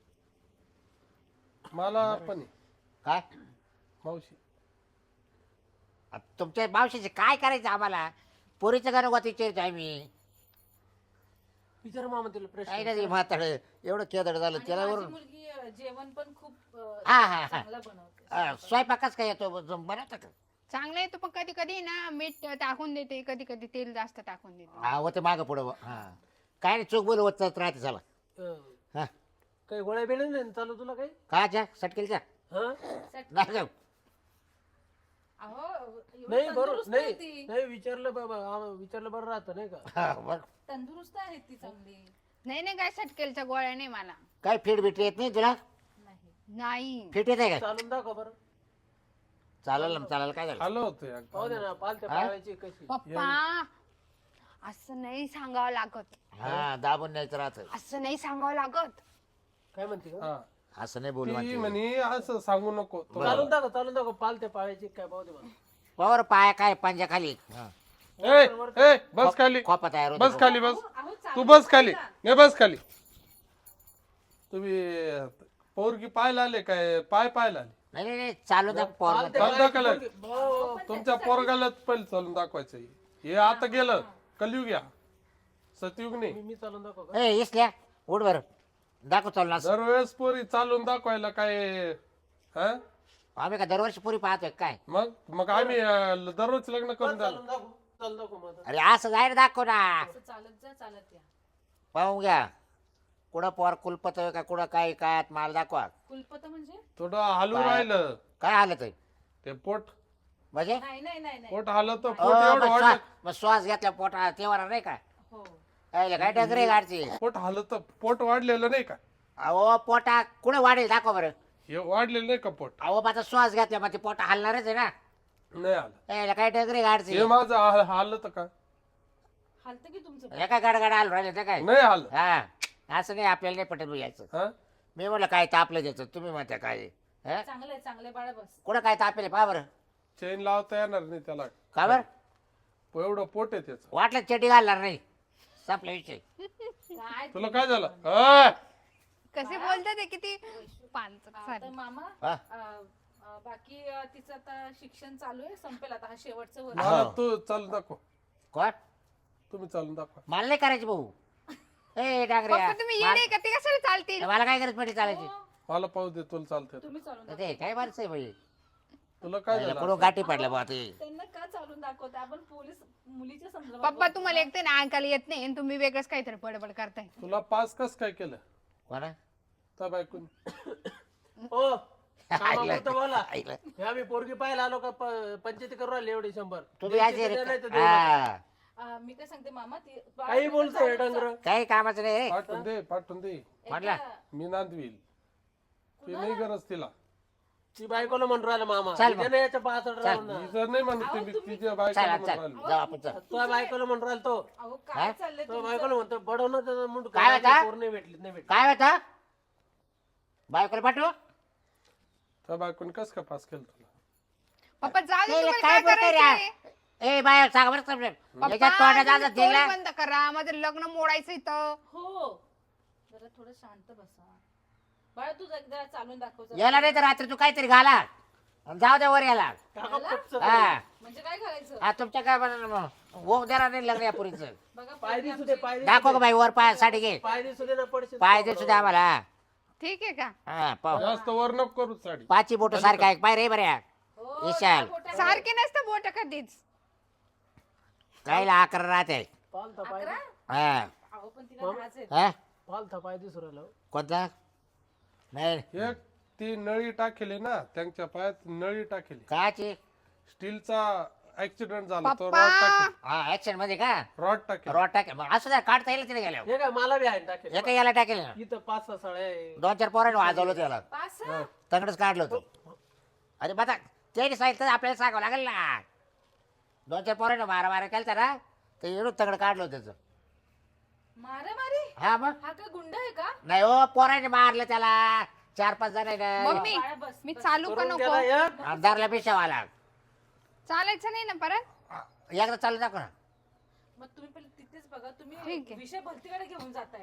[SPEAKER 5] मला पण आहे
[SPEAKER 1] काय
[SPEAKER 5] मावशी.
[SPEAKER 1] आता तुमच्या मावशीचे काय करायचं आम्हाला. पोरीचं गाणं गोत विचारायचं आम्ही.
[SPEAKER 2] विचार मामा तिला
[SPEAKER 1] काय
[SPEAKER 2] प्रश्न.
[SPEAKER 1] नाही म्हाताड एवढं केदड झालं
[SPEAKER 3] आणि
[SPEAKER 1] त्याला
[SPEAKER 3] माझी
[SPEAKER 1] वरून.
[SPEAKER 3] मुलगी अं, जेवण पण खूप अं,
[SPEAKER 1] हा, हा, हा.
[SPEAKER 3] चांगलं बनवते
[SPEAKER 1] अं, स्वयंपाकच काय येतो बनवता का.
[SPEAKER 4] चांगलं येतो पण कधी कधी ना मीठ टाकून देते कधी कधी तेल जास्त टाकून देते.
[SPEAKER 1] हा होते मागं पुढं हा काय नाही चूक बोल होत राहते झाला.
[SPEAKER 2] अं,
[SPEAKER 1] हा
[SPEAKER 2] काही गोळ्या बिळ्या नाही ना चालू तुला काही.
[SPEAKER 1] काच्या सटकेलच्या
[SPEAKER 2] हा
[SPEAKER 1] नाही जाऊ.
[SPEAKER 3] अहो एवढी
[SPEAKER 2] नाही बरोबर
[SPEAKER 3] तंदुरुस्त
[SPEAKER 2] नाही
[SPEAKER 3] आहे ती.
[SPEAKER 2] नाही विचारलं बाबा आम- विचारलं बरं राहतं नाही का.
[SPEAKER 1] हा, बरं.
[SPEAKER 3] तंदुरुस्त आहेत ती चांगली.
[SPEAKER 4] नाही नाही काय सटकेलच्या गोळ्या नाही मला.
[SPEAKER 1] काय फिट बिट येत नाही तुला?
[SPEAKER 3] नाही
[SPEAKER 4] नाही
[SPEAKER 1] फिट येत आहे का?
[SPEAKER 2] चालून दाखव बरं.
[SPEAKER 1] चालेल ना चालेल, काय झालं?
[SPEAKER 5] आलो होतो एकदा.
[SPEAKER 2] पाहू दे ना पालत्या पाळायची कशी.
[SPEAKER 4] पप्पा असं नाही सांगावं लागत.
[SPEAKER 1] हा दाबून न्यायचं राहतं.
[SPEAKER 4] असं नाही सांगावं लागत.
[SPEAKER 2] काय म्हणते का?
[SPEAKER 5] हा
[SPEAKER 1] असं नाही बोलू
[SPEAKER 5] ती
[SPEAKER 1] म्हणते.
[SPEAKER 5] म्हणे असं सांगू नको तो.
[SPEAKER 2] चालून दाखव चालून दाखव पालत्या पाळायची काय पाहू दे मला.
[SPEAKER 1] पावर पाय काय पंजा खाली. हा.
[SPEAKER 5] ए ए बस खाली,
[SPEAKER 1] खोपा तयार होतो.
[SPEAKER 5] बस खाली, बस
[SPEAKER 3] अहो
[SPEAKER 5] तू बस खाली, नाही बस खाली. तुम्ही पोरगी पाहायला आले काय? पाय पाहायला आले?
[SPEAKER 1] नाही नाही नाही, चालू द्या पोर.
[SPEAKER 2] पालत्या
[SPEAKER 5] चालू दाखवलं.
[SPEAKER 2] पाळायची पोरगी- हो.
[SPEAKER 5] तुमच्या पोरगालाच पहिले चालून दाखवायचं. हे आता गेलं कलयुग, या सतयुग नाही.
[SPEAKER 2] मी- मी चालून दाखव का?
[SPEAKER 1] ए इसल्या उठ बर दाखव चालू असं.
[SPEAKER 5] दरवेळेस पोरी चालून दाखवायला काय? हा
[SPEAKER 1] आम्ही का दरवर्षी पुरी पाहतोय काय?
[SPEAKER 5] मग मग आम्ही अं, दररोज लग्न करून द्याल.
[SPEAKER 2] चालून दाखव चालून दाखव माझं.
[SPEAKER 1] अरे असं जायला दाखव ना.
[SPEAKER 3] असं चालत जा चालत या.
[SPEAKER 1] पाहून घ्या कुठं पोर कुलपत आहे का कुठं काय काय मला दाखवा.
[SPEAKER 3] कुलपत म्हणजे
[SPEAKER 5] थोडं हलू राहिलं
[SPEAKER 1] काय हालत आहे
[SPEAKER 5] ते पोट,
[SPEAKER 1] म्हणजे?
[SPEAKER 3] नाही नाही नाही नाही.
[SPEAKER 5] पोट हालत
[SPEAKER 1] अ,
[SPEAKER 5] पोट एवढं
[SPEAKER 1] मग
[SPEAKER 5] वाढलं.
[SPEAKER 1] श्वास मग श्वास घेतला पोटा तेव्हा नाही का?
[SPEAKER 3] हो
[SPEAKER 1] अरे काय डगरे गाडची.
[SPEAKER 5] पोट हालत पोट वाढलेलं नाही का?
[SPEAKER 1] अहो पोटा कुठं वाढेल दाखव बरं.
[SPEAKER 5] हे वाढलेलं नाही का पोट?
[SPEAKER 1] अहो माझा श्वास घेतला मग ते पोटा हलणारच आहे ना.
[SPEAKER 5] नाही आलं.
[SPEAKER 1] ए, काय डगरे गाडची.
[SPEAKER 5] हे माझं हा- हालत का?
[SPEAKER 3] हालतं की तुमचं.
[SPEAKER 1] हे काय गडगड आलो राहिले ते काय?
[SPEAKER 5] नाही हाल.
[SPEAKER 1] हा असं नाही आपल्याला नाही पटत यायचं.
[SPEAKER 5] हा
[SPEAKER 1] मी म्हणलं काय तापलं द्यायचं तुम्ही म्हणता काय? हा?
[SPEAKER 3] चांगलं आहे चांगलं आहे बाळा बस.
[SPEAKER 1] कुठं काय तापेल पहा बरं.
[SPEAKER 5] चेन लावता येणार नाही त्याला.
[SPEAKER 1] का बरं
[SPEAKER 5] एवढं पोट आहे त्याचं.
[SPEAKER 1] वाटलं चेटी घालणार नाही. संपला विषय.
[SPEAKER 3] काय
[SPEAKER 5] तुला काय झालं? अ,
[SPEAKER 4] कसे बोलतात ते किती पांचट
[SPEAKER 3] आता
[SPEAKER 4] सारे.
[SPEAKER 3] मामा
[SPEAKER 1] हा?
[SPEAKER 3] अं, अं, बाकी अं, तिचं आता शिक्षण चालू आहे संपेल आता हा शेवटचं वर्ष.
[SPEAKER 5] मला
[SPEAKER 1] हो.
[SPEAKER 5] तू चालून दाखव.
[SPEAKER 1] कोण?
[SPEAKER 5] तुम्ही चालून दाखवा.
[SPEAKER 1] मला नाही करायची भाऊ. ए डांगरे
[SPEAKER 4] पप्पा तुम्ही येणे का ते कशाला चालतील?
[SPEAKER 1] मला काय गरज पडली चालायची?
[SPEAKER 3] हो,
[SPEAKER 5] मला पाहू दे तुला चालतंय.
[SPEAKER 3] तुम्ही चालून दाखवा.
[SPEAKER 1] ते काय माणसं आहे भाई.
[SPEAKER 5] तुला काय झालं?
[SPEAKER 1] कुठं गाठी पडल्या बा ते.
[SPEAKER 3] त्यांना का चालून दाखवते आपण पोलीस मुलीच्या संदर्भात
[SPEAKER 4] पप्पा तुम्हाला एक तर ना ऐकायला येत नाही आणि तुम्ही वेगळंच काहीतरी बडबड करताय.
[SPEAKER 5] तुला पास कस काय केलं
[SPEAKER 1] कोणा?
[SPEAKER 5] त्या बायकून?
[SPEAKER 2] ओ कामापुरतं बोला.
[SPEAKER 1] ऐकलं.
[SPEAKER 2] हे आम्ही पोरगी पाहायला आलो का प- पंचायती करू राहिले एवढे शंभर.
[SPEAKER 1] तुम्ही
[SPEAKER 2] द्यायची
[SPEAKER 1] यायचे
[SPEAKER 2] तर
[SPEAKER 1] रे.
[SPEAKER 2] द्या, नाही तर देऊ नका.
[SPEAKER 1] हा.
[SPEAKER 3] अं, मी काय सांगते मामा ती
[SPEAKER 2] काही बोलतोय डंगर.
[SPEAKER 1] काही कामाचं नाही रे.
[SPEAKER 5] पाठवून दे पाठवून दे.
[SPEAKER 1] म्हटलं
[SPEAKER 5] मी नांदवील. ती नाही गरज तिला.
[SPEAKER 2] ती बायकोला म्हणून राहिला मामा.
[SPEAKER 1] चल मग.
[SPEAKER 2] त्याने याच्या पाच राहून ना.
[SPEAKER 5] ती जर नाही म्हणत ती तिच्या
[SPEAKER 1] चल
[SPEAKER 5] बायकोला
[SPEAKER 1] चल
[SPEAKER 5] म्हणून
[SPEAKER 1] जाऊ आपण चल.
[SPEAKER 2] तो बायकोला म्हणून राहिला तो.
[SPEAKER 3] अहो काय चाललंय
[SPEAKER 2] तो
[SPEAKER 3] तुमचं?
[SPEAKER 2] बायकोला म्हणतो बडवणं त्याचा मुंड
[SPEAKER 1] काय होता?
[SPEAKER 2] पोर नाही भेटली नाही भेटली.
[SPEAKER 1] काय होतं? बायकोला पाठवू?
[SPEAKER 5] त्या बायकोने कस काय पास केलं तुला?
[SPEAKER 4] पप्पा जाऊ दे
[SPEAKER 1] ते
[SPEAKER 4] तुम्हाला
[SPEAKER 1] काय
[SPEAKER 4] काय
[SPEAKER 1] बोलतोय
[SPEAKER 4] करायचंय?
[SPEAKER 1] रे? ए बाय सांग बरं समजेल.
[SPEAKER 4] पप्पा
[SPEAKER 1] याच्यात तोंडात
[SPEAKER 4] तुम्ही
[SPEAKER 1] आज
[SPEAKER 4] तोंड
[SPEAKER 1] दिला.
[SPEAKER 4] बंद करा. माझं लग्न मोडायचं इथं.
[SPEAKER 3] हो जरा थोडं शांत बसा बाळा. तू एकदा चालून दाखव जरा.
[SPEAKER 1] याला नाही तर रात्री तू काहीतरी घाला आणि जाऊ द्या वर याला.
[SPEAKER 2] काका पटचं
[SPEAKER 1] हा
[SPEAKER 3] म्हणजे काय घालायचं
[SPEAKER 1] हा तुमच्या काय होऊ देणार नाही लग्न या पुरीचं.
[SPEAKER 3] बघा
[SPEAKER 2] पाय
[SPEAKER 3] पोरगी
[SPEAKER 2] दिसू दे
[SPEAKER 3] आमची-
[SPEAKER 2] पाय दिसू
[SPEAKER 1] दाखव
[SPEAKER 2] दे.
[SPEAKER 1] का बाई वर पाय साठी घे.
[SPEAKER 2] पाय दिसू दे ना पडशील.
[SPEAKER 1] पाय दे सुद्धा आम्हाला.
[SPEAKER 4] ठीक आहे का?
[SPEAKER 1] हा पाहू.
[SPEAKER 5] जास्त वर नको करू साडी.
[SPEAKER 1] पाची बोट सारखं आहे पाय रे बऱ्या.
[SPEAKER 3] हो,
[SPEAKER 1] विशाल.
[SPEAKER 3] त्या बोटावर-
[SPEAKER 4] सारखे नसतं बोट कधीच.
[SPEAKER 1] काहीला अकरा राहते.
[SPEAKER 2] पालथा पाय
[SPEAKER 3] अकरा?
[SPEAKER 1] हा
[SPEAKER 3] अहो पण तिला लाज आहे.
[SPEAKER 1] हा
[SPEAKER 2] पालथा पाय दिसू राहिला.
[SPEAKER 1] कोणता? नाही
[SPEAKER 5] एक ती नळी टाकेली ना त्यांच्या पायात नळी टाकेली.
[SPEAKER 1] काची?
[SPEAKER 5] स्टीलचा ऍक्सिडेंट झाला तो
[SPEAKER 4] पप्पा.
[SPEAKER 5] रॉड टाकेल.
[SPEAKER 1] हा ऍक्शन मध्ये का?
[SPEAKER 5] रॉड टाकेल.
[SPEAKER 1] रॉड टाकेल मग असं द्या काढता येईल तिने गेल्यावर.
[SPEAKER 2] हे काय मला बी आहे टाकेल.
[SPEAKER 1] एका याला टाकेल ना.
[SPEAKER 2] इथं पाच सहा साड्या आहे.
[SPEAKER 1] दोन चार पोरांनी वाजवलं त्याला.
[SPEAKER 3] पास
[SPEAKER 1] तंगडच काढलं होतं. अरे बघा त्याने सांगितलं तर आपल्याला सांगावं लागेल ना. दोन चार पोरांनी मारा मारा केलता ना तर एवढं तंगड काढलं होतं त्याचं.
[SPEAKER 3] मारा मारी
[SPEAKER 1] हा मग
[SPEAKER 3] हा काय गुंड आहे का?
[SPEAKER 1] नाही हो पोराने मारलं त्याला. चार पाच जण
[SPEAKER 4] मम्मी
[SPEAKER 3] बाळा बस,
[SPEAKER 4] मी
[SPEAKER 3] बस.
[SPEAKER 4] चालू का
[SPEAKER 2] करून
[SPEAKER 4] नको?
[SPEAKER 2] गेला एक.
[SPEAKER 1] आमदारला पेशावाला.
[SPEAKER 4] चालायचं नाही ना परत?
[SPEAKER 1] एकदा चालू दाखव ना.
[SPEAKER 3] मग तुम्ही पहिले तिथेच बघा. तुम्ही
[SPEAKER 4] ठीक आहे.
[SPEAKER 3] विषय भरतीकडे घेऊन जाताय.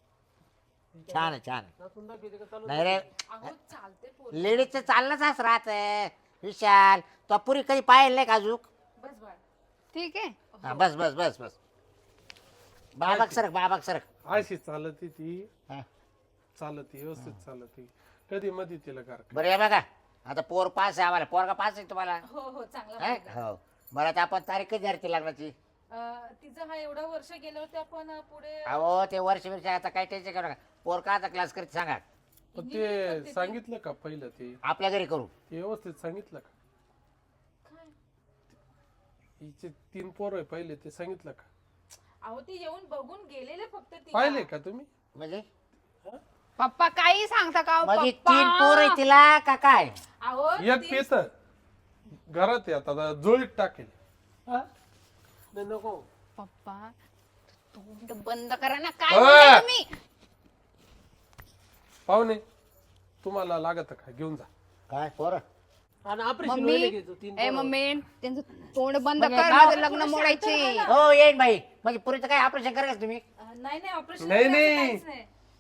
[SPEAKER 1] छान आहे छान आहे.
[SPEAKER 2] नाचून दाखवते का चालू?
[SPEAKER 1] नाही रे
[SPEAKER 3] अहो चालते पोर.
[SPEAKER 1] लेडीजचं चाललंच असं राहत विशाल. तो पुरी कधी पाहिलं नाही का अजून?
[SPEAKER 3] बस बाळ.
[SPEAKER 4] ठीक आहे.
[SPEAKER 1] हा, बस बस बस बस बाबाक सरक बाबाक सरक.
[SPEAKER 5] अशी चालती ती
[SPEAKER 1] हा.
[SPEAKER 5] चालती व्यवस्थित चालती. कधी मध्ये तिला गार
[SPEAKER 1] बरं या बघा आता पोर पास आहे आम्हाला. पोरगा पास आहे तुम्हाला?
[SPEAKER 3] हो हो चांगला
[SPEAKER 1] हा?
[SPEAKER 3] मुलगा.
[SPEAKER 1] हो बरं आता आपण तारीख कधी धरते लग्नाची?
[SPEAKER 3] अं, तिचं हा एवढं वर्ष गेलं होतं आपण अं, पुढे
[SPEAKER 1] अहो ते वर्ष वर्ष आता काय टेन्शन करू नका. पोर का आता क्लास करते सांगा.
[SPEAKER 5] पण ते सांगितलं का पहिलं ते
[SPEAKER 1] आपल्या घरी करू.
[SPEAKER 5] ते व्यवस्थित सांगितलं का?
[SPEAKER 3] काय?
[SPEAKER 5] हिचे तीन पोर आहे पहिले ते सांगितलं का?
[SPEAKER 3] अहो ते येऊन बघून गेलेले फक्त ती
[SPEAKER 5] पाहिले का तुम्ही?
[SPEAKER 1] म्हणजे
[SPEAKER 4] पप्पा काही सांगता का हो,
[SPEAKER 1] म्हणजे
[SPEAKER 4] पप्पा?
[SPEAKER 1] तीन पोर आहे तिला का काय?
[SPEAKER 3] अहो
[SPEAKER 5] एक
[SPEAKER 3] ती-
[SPEAKER 5] पेत घरात येत आता जोळीत टाकेल.
[SPEAKER 2] हा? नाही, नको.
[SPEAKER 4] पप्पा तोंड बंद करा ना, काय
[SPEAKER 5] अ!
[SPEAKER 4] बोलताय तुम्ही?
[SPEAKER 5] पाहुणे तुम्हाला लागत का घेऊन जा.
[SPEAKER 1] काय पोर?
[SPEAKER 2] आणि ऑपरेशन
[SPEAKER 4] मम्मी
[SPEAKER 2] व्हायला घ्यायचं तीन
[SPEAKER 4] ए
[SPEAKER 2] पोरं.
[SPEAKER 4] मम्मी त्यांचं तोंड बंद
[SPEAKER 1] म्हणजे
[SPEAKER 4] कर,
[SPEAKER 1] नाव-
[SPEAKER 4] माझं लग्न मोडायचे.
[SPEAKER 1] हो येईन बाई. म्हणजे पुरीचं काय ऑपरेशन करायचं तुम्ही?
[SPEAKER 3] अं, नाही नाही ऑपरेशन
[SPEAKER 5] नाही, नाही.
[SPEAKER 3] नाही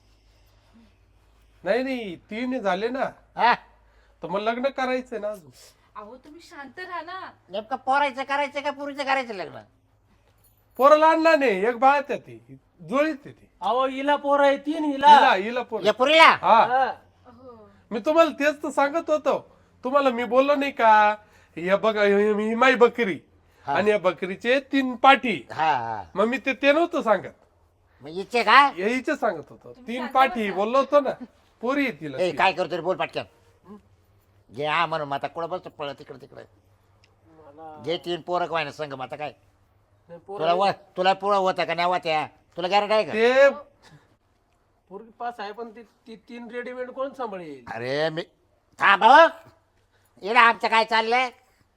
[SPEAKER 5] नाही नाही तीन झाले ना,
[SPEAKER 1] हा
[SPEAKER 5] तर मग लग्न करायचंय ना अजून.
[SPEAKER 3] अहो तुम्ही शांत राहा ना.
[SPEAKER 1] नेमकं पोरायचं करायचं का पुरीचं करायचं लग्न?
[SPEAKER 5] पोराला आणला नाही, एक बाळ त्या ती जोळीत येते.
[SPEAKER 2] अहो हिला पोर आहे तीन हिला
[SPEAKER 5] हिला हिला पोर.
[SPEAKER 1] या पुरीला
[SPEAKER 5] हा
[SPEAKER 2] हा.
[SPEAKER 3] हो
[SPEAKER 5] मी तुम्हाला तेच तर सांगत होतो. तुम्हाला मी बोललो नाही का, या बघा ही माई बकरी आणि या बकरीचे तीन पाठी.
[SPEAKER 1] हा हा
[SPEAKER 5] मग मी ते ते नव्हतं सांगत,
[SPEAKER 1] मग इच्छे का?
[SPEAKER 5] यायचे सांगत होतो. तीन पाठी बोललो होतो ना, पोरी येतील.
[SPEAKER 1] ए काय करतो रे, बोल पटकन. घे हा म्हणून मग आता कुठं बसतो पळ तिकडे तिकडे.
[SPEAKER 2] मला
[SPEAKER 1] घे तीन पोरं काय ना संग मग आता काय
[SPEAKER 2] नाही, पोरं
[SPEAKER 1] तुला व तुला पुळं होतं का नाही होत्या? तुला गॅरंटी आहे का?
[SPEAKER 5] ते
[SPEAKER 2] पोरगी पास आहे पण ती ती तीन रेडीमेड कोण सांभाळेल?
[SPEAKER 1] अरे मी थांब हो. येडा आमचं काय चाललंय?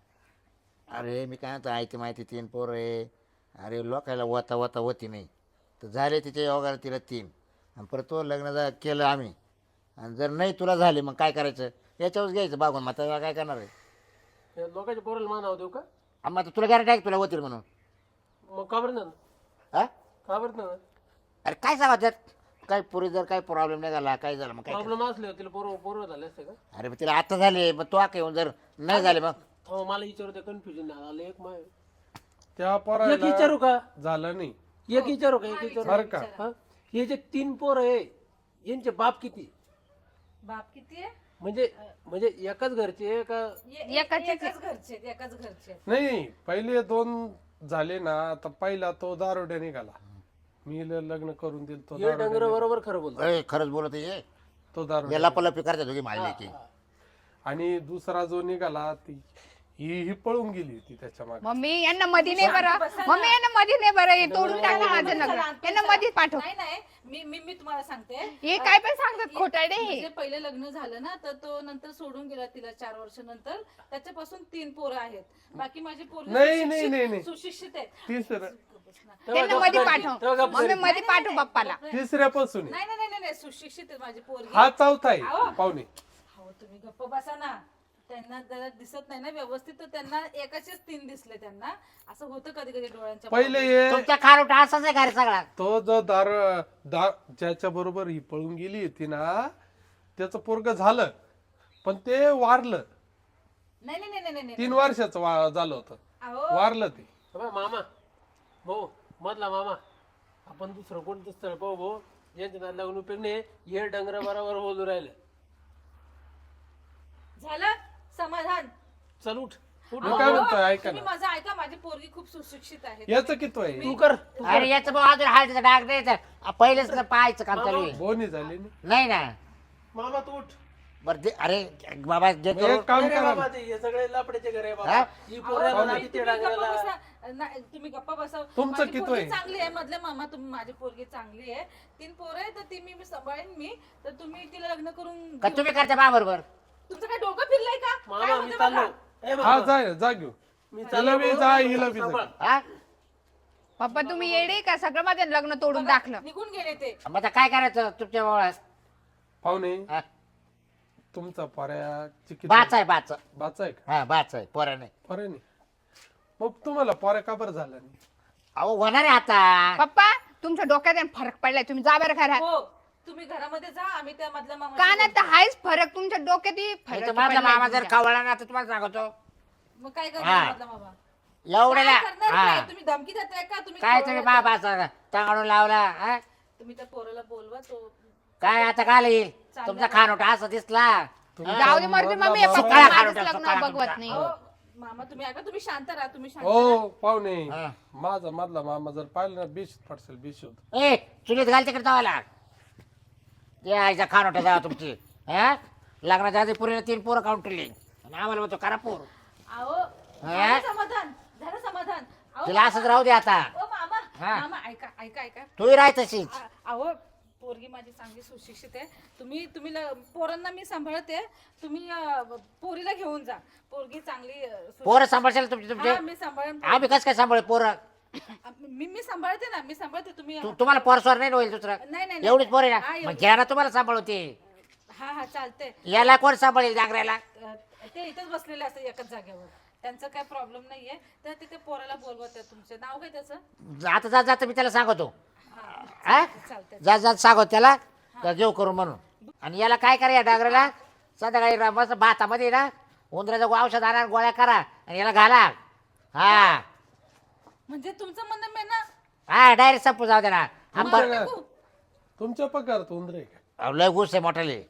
[SPEAKER 1] अरे मी काय म्हणतो, ऐकते माहिती तीन पोरं आहे. अरे लोकायला होता होता होती नाही तर झाले तिच्या योगाला तिला तीन. आणि परत तो लग्न जा केलं आम्ही, आणि जर नाही तुला झाले मग काय करायचं? याच्यावर घ्यायचं बागून. मग आता काय करणार आहे?
[SPEAKER 2] त्या लोकांच्या पोराला मानावं देऊ का?
[SPEAKER 1] आणि मग आता तुला गॅरंटी आहे का तुला होतील म्हणून?
[SPEAKER 2] मग का बरं ना
[SPEAKER 1] हा
[SPEAKER 2] का बरं ना
[SPEAKER 1] अरे काय सांगा त्यात? काय पुरी जर काही प्रॉब्लेम नाही झाला, काय झालं मग काय
[SPEAKER 2] प्रॉब्लेम असले तिला पोरं पोरं झाले असते का?
[SPEAKER 1] करायचं? अरे मग तिला आता झाले, मग तो आका येऊन जर नाही झाले मग
[SPEAKER 2] हो मला विचारू कन्फ्युजन आलं एक माय
[SPEAKER 5] त्या
[SPEAKER 2] एक
[SPEAKER 5] पोराला
[SPEAKER 2] विचारू का
[SPEAKER 5] झालं नाही
[SPEAKER 2] एक विचारू का एक विचारू
[SPEAKER 5] बरं का.
[SPEAKER 2] हा? हे जे तीन पोर आहे यांचे बाप किती?
[SPEAKER 3] बाप किती आहे?
[SPEAKER 2] म्हणजे म्हणजे एकाच घरचे आहे का?
[SPEAKER 3] ये-
[SPEAKER 4] एकाचेच
[SPEAKER 3] एकाच घरचे आहेत, एकाच घरचे आहेत.
[SPEAKER 5] नाही. पहिले दोन झाले ना, तर पहिला तो दारोड्या निघाला. मी ल- लग्न करून दिल तो
[SPEAKER 2] हे
[SPEAKER 5] दारोड्या
[SPEAKER 2] डंगर बरोबर खरं बोलतो.
[SPEAKER 1] अरे खरंच बोलत आहे.
[SPEAKER 5] तो दारोड्या.
[SPEAKER 1] याला पलपी करते दोघी मारली की
[SPEAKER 5] आणि दुसरा जो निघाला ती ही ही पळून गेली होती त्याच्या मागे.
[SPEAKER 4] मम्मी यांना मध्ये नाही बरं, मम्मी यांना मध्ये नाही बरं, हे तोडून टाकलं माझं
[SPEAKER 3] चला,
[SPEAKER 4] लग्न.
[SPEAKER 3] तुम्ही
[SPEAKER 4] यांना
[SPEAKER 3] चला.
[SPEAKER 4] मध्ये पाठव.
[SPEAKER 3] नाही नाही मी मी मी तुम्हाला सांगते.
[SPEAKER 4] हे काय पण सांगतात खोटारडे हे.
[SPEAKER 3] म्हणजे पहिले लग्न झालं ना, तर तो नंतर सोडून गेला तिला चार वर्ष नंतर. त्याच्यापासून तीन पोरं आहेत. बाकी माझी पोरं
[SPEAKER 5] नाही, नाही, नाही, नाही.
[SPEAKER 3] सुशिक्षित आहेत.
[SPEAKER 5] तिसरं
[SPEAKER 4] त्यांना मध्ये पाठव. मम्मी मध्ये पाठव पप्पाला.
[SPEAKER 5] तिसऱ्यापासून आहे.
[SPEAKER 3] नाही नाही नाही नाही सुशिक्षित आहेत माझी पोरगी.
[SPEAKER 5] हा चौथा आहे
[SPEAKER 3] अहो.
[SPEAKER 5] पाहुणे.
[SPEAKER 3] हो तुम्ही गप्प बसा ना. त्यांना जरा दिसत नाही ना व्यवस्थित, तर त्यांना एकाचेच तीन दिसले. त्यांना असं होतं कधी कधी डोळ्यांच्या
[SPEAKER 5] पहिले हे
[SPEAKER 1] तुमच्या खारोटा असाच आहे का रे सगळा?
[SPEAKER 5] तो जो दार दार ज्याच्या बरोबर ही पळून गेली होती ना, त्याचं पोरग झालं पण ते वारलं.
[SPEAKER 3] नाही नाही नाही नाही नाही
[SPEAKER 5] तीन वर्षाचं वा- झालं होतं,
[SPEAKER 3] अहो
[SPEAKER 5] वारलं ते.
[SPEAKER 2] अबे मामा भाऊ मधला मामा आपण दुसरं कोणतं स्थळ पाहू भाऊ यांच्या नाद लागून उपयोग नाही. हे डंगर बरोबर बोलू राहिलं.
[SPEAKER 3] झालं समाधान.
[SPEAKER 2] चल उठ उठ
[SPEAKER 5] मी काय म्हणतोय ऐका
[SPEAKER 3] तुम्ही
[SPEAKER 5] ना,
[SPEAKER 3] माझं ऐका. माझी पोरगी खूप सुशिक्षित आहे.
[SPEAKER 5] याचं किती आहे?
[SPEAKER 2] तू कर तू कर.
[SPEAKER 1] अरे याचं भाऊ अजून हालचा डाग द्यायचा. पहिलेच तर पाहायचं काम चालू आहे.
[SPEAKER 5] बोनी झाली ना.
[SPEAKER 1] नाही ना
[SPEAKER 2] मामा तू उठ.
[SPEAKER 1] बरं ते अरे बाबा जे
[SPEAKER 5] मग एक काम
[SPEAKER 2] अरे
[SPEAKER 5] करा
[SPEAKER 2] बाबा ते हे सगळे लपड्याचे घर आहे
[SPEAKER 1] हा?
[SPEAKER 2] बाबा. ही पोराला ना
[SPEAKER 3] तुम्ही
[SPEAKER 2] किती
[SPEAKER 3] गप्पा
[SPEAKER 2] डांगराला
[SPEAKER 3] बसा. नाही, तुम्ही गप्पा बसा.
[SPEAKER 5] तुमचं
[SPEAKER 3] माझी
[SPEAKER 5] किती
[SPEAKER 3] पोरगी
[SPEAKER 5] आहे?
[SPEAKER 3] चांगली आहे. मधले मामा तुम्ही माझी पोरगी चांगली आहे. तीन पोरं आहे तर ती मी मी सांभाळेन मी. तर तुम्ही तिला लग्न करून
[SPEAKER 1] का
[SPEAKER 3] घेऊ.
[SPEAKER 1] तुम्ही करता बा बरोबर?
[SPEAKER 3] तुमचं काय डोकं फिरलंय का? काय
[SPEAKER 2] मामा मी
[SPEAKER 3] होतं
[SPEAKER 2] चाललो.
[SPEAKER 3] बघा.
[SPEAKER 2] ए
[SPEAKER 5] हा
[SPEAKER 2] बाबा,
[SPEAKER 5] जाय जा घेऊ.
[SPEAKER 2] मी
[SPEAKER 5] तिला
[SPEAKER 2] चाललो
[SPEAKER 5] बी
[SPEAKER 2] भाऊ.
[SPEAKER 5] जा हिला बी
[SPEAKER 2] सांभाळ.
[SPEAKER 5] जा.
[SPEAKER 1] हा
[SPEAKER 4] पप्पा तुम्ही येडे का? सगळं माझं लग्न तोडून टाकलं.
[SPEAKER 3] निघून गेले ते.
[SPEAKER 1] मग आता काय करायचं तुमच्या भावाला?
[SPEAKER 5] पाहुणे
[SPEAKER 1] हा?
[SPEAKER 5] तुमचा पर्या चिकित
[SPEAKER 1] बाच आहे बाच.
[SPEAKER 5] बाचा आहे का?
[SPEAKER 1] हा बाच आहे पोरा नाही.
[SPEAKER 5] पर्या नाही. मग तुम्हाला पर्या का बरं झाला नाही?
[SPEAKER 1] अहो होणार आहे आता.
[SPEAKER 4] पप्पा तुमच्या डोक्यात आहे ना फरक पडलाय. तुम्ही जा बरं घरात.
[SPEAKER 3] हो तुम्ही घरामध्ये जा. आम्ही त्या मधल्या मामा
[SPEAKER 4] कानात तर हायच फरक. तुमच्या डोक्यात
[SPEAKER 1] नाही तर
[SPEAKER 4] फरक
[SPEAKER 1] माझा मामा
[SPEAKER 4] पडलाय
[SPEAKER 1] जर
[SPEAKER 4] तुमच्या.
[SPEAKER 1] खवळला ना तर तुम्हाला सांगतो
[SPEAKER 3] मग काय
[SPEAKER 1] हा.
[SPEAKER 3] करणार मधला मामा?
[SPEAKER 1] एवढ्याला
[SPEAKER 3] काय करणार
[SPEAKER 1] हा
[SPEAKER 3] काय? तुम्ही धमकी देताय का? तुम्ही
[SPEAKER 1] काय
[SPEAKER 3] खवळला
[SPEAKER 1] तुम्ही
[SPEAKER 3] का?
[SPEAKER 1] बाबा टांगणून लावला हा?
[SPEAKER 3] तुम्ही त्या पोराला बोलवा. तो
[SPEAKER 1] काय आता काय येईल तुमचा खानोटा असा दिसला.
[SPEAKER 4] जाऊ दे मरते मम्मी.
[SPEAKER 5] बाबा.
[SPEAKER 4] पप्पा
[SPEAKER 1] सकाळ
[SPEAKER 4] माझंच
[SPEAKER 1] खारुटा,
[SPEAKER 4] लग्न
[SPEAKER 1] सकाळ
[SPEAKER 4] बघवत
[SPEAKER 1] खारुटा.
[SPEAKER 4] नाही.
[SPEAKER 3] हो, मामा तुम्ही ऐका. तुम्ही शांत राहा. तुम्ही शांत राहा.
[SPEAKER 5] हो पाहुणे,
[SPEAKER 1] हा.
[SPEAKER 5] माझा मधला मामा जर पाहिलं ना बीस पडसेल बीस होत.
[SPEAKER 1] ए चुलीत घाल तिकडे जावाला. ते आईचा खानोटा जावा तुमची हा? लग्नाच्या आधी पुरीला तीन पोरं काउंट केली आणि आम्हाला म्हणतो करा पोर.
[SPEAKER 3] अहो
[SPEAKER 1] हा?
[SPEAKER 3] झालं समाधान. झालं समाधान. अहो,
[SPEAKER 1] तिला असंच राहू दे आता.
[SPEAKER 3] ओ मामा
[SPEAKER 1] हा.
[SPEAKER 3] मामा ऐका ऐका ऐका
[SPEAKER 1] तूही राह तशीच
[SPEAKER 3] आ- अहो पोरगी माझी चांगली सुशिक्षित आहे. तुम्ही तुम्ही ल- पोरांना मी सांभाळते. तुम्ही अं, पोरीला घेऊन जा. पोरगी चांगली अं, सुशिक्षित-
[SPEAKER 1] पोरं सांभाळशाल तुमचे तुमचे
[SPEAKER 3] हा, मी सांभाळेन.
[SPEAKER 1] आम्ही कसं काय सांभाळ पोरं
[SPEAKER 3] मी मी सांभाळते ना मी सांभाळते तुम्ही
[SPEAKER 1] तू तुम्हाला पोरस्वर नाही होईल दुसरं
[SPEAKER 3] नाही नाही
[SPEAKER 1] एवढीच पोर आहे
[SPEAKER 3] हा,
[SPEAKER 1] ना
[SPEAKER 3] एवढी.
[SPEAKER 1] मग घ्या ना तुम्हाला सांभाळवते
[SPEAKER 3] हा हा चालते.
[SPEAKER 1] याला कोण सांभाळेल जागऱ्याला
[SPEAKER 3] ते इथंच बसलेले असतात एकाच जागेवर. त्यांचा काय प्रॉब्लेम नाहीये. तर तिथे पोराला बोलवत आहे. तुमचे नाव काय त्याचं?
[SPEAKER 1] आता जात जात मी त्याला सांगतो
[SPEAKER 3] हा
[SPEAKER 1] हा
[SPEAKER 3] चालतंय.
[SPEAKER 1] जात जात सांगतो त्याला का घेऊ करून म्हणून आणि याला काय करा या डागऱ्याला संध्याकाळी रा- मस्त भातामध्ये ना उंदराचं औषध आणा गोळ्या करा आणि याला घाला हा
[SPEAKER 3] म्हणजे तुमचं म्हणणं मी ना
[SPEAKER 1] हा डायरेक्ट संपू जाऊ दे ना आपण
[SPEAKER 5] तुमच्या तुमच्या पगारात उंदरे का
[SPEAKER 1] अहो, लय गुस आहे मोठाले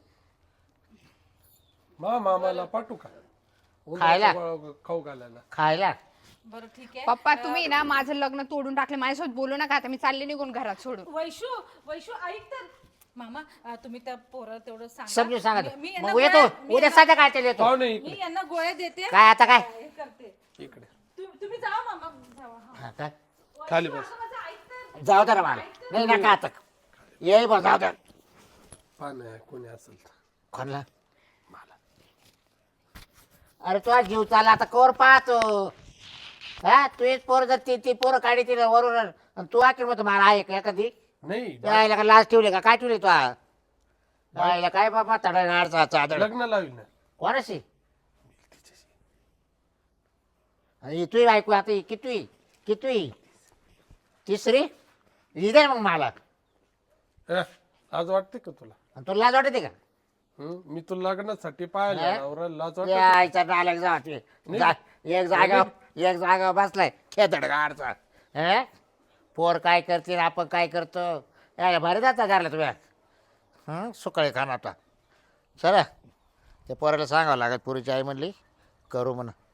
[SPEAKER 5] मा मामाला पाठवू का
[SPEAKER 1] खायला?
[SPEAKER 5] उंदराचा गोळा खाऊ घालायला
[SPEAKER 1] खायला
[SPEAKER 3] बरं ठीक आहे.
[SPEAKER 4] पप्पा तुम्ही ना माझं लग्न तोडून टाकलं माझ्यासोबत बोलू नका आता मी चालले निघून घरात सोडून
[SPEAKER 3] वैशू वैशू ऐक तर मामा अं, तुम्ही त्या पोराला तेवढं सांगा.
[SPEAKER 1] समजून सांगा
[SPEAKER 3] मी- मी यांना
[SPEAKER 1] मग येतो
[SPEAKER 3] गोळ्या- मी
[SPEAKER 1] उद्या
[SPEAKER 3] यांना-
[SPEAKER 1] संध्याकाळच्या येतो
[SPEAKER 5] पाहुणे
[SPEAKER 3] मी
[SPEAKER 5] इकडे
[SPEAKER 3] यांना गोळ्या देते.
[SPEAKER 1] काय आता काय
[SPEAKER 3] हे करते.
[SPEAKER 5] इकडे
[SPEAKER 3] तु- तुम्ही जावा मामा जावा. हा.
[SPEAKER 1] हा, काय
[SPEAKER 5] खाली बस
[SPEAKER 3] मामा, माझं ऐक तर.
[SPEAKER 1] जाऊ दे ना मला नाही नका आता ये बघ जाऊ दे
[SPEAKER 5] पाण्या कोणी असेल तर
[SPEAKER 1] कोणला अरे तुझा जीव चालला आता कोर पाहतो हा तू एक पोर जर ती ती पोरं काढी तिला वरून आणि तू आखिर मग मला आहे का एखादी
[SPEAKER 5] नाही
[SPEAKER 1] यायला का लाज ठेवली का काय ठेवली तू यायला काय बाबा तडा गाडचा चादर
[SPEAKER 5] लग्न लावील ना
[SPEAKER 1] कोणाशी आणि तू ऐकू आता ही कितवी कितवी तिसरी ही दे मग मला
[SPEAKER 5] अ, आज वाटते का तुला
[SPEAKER 1] आणि तुला लाज वाटते का
[SPEAKER 5] हं? मी तुला लग्नासाठी पाहिलं
[SPEAKER 1] हा?
[SPEAKER 5] नवरा लाज वाटते
[SPEAKER 1] यायचा नालक जा ते. जा एक जागा एक जागा बसलाय खेदड गाडचा हे पोर काय करते आणि आपण काय करतो यायला भारी जाता घरला तुम्ही हं सुकाळी खाना आता चला त्या पोराला सांगावं लागत पुरीची आई म्हणली करू म्हणा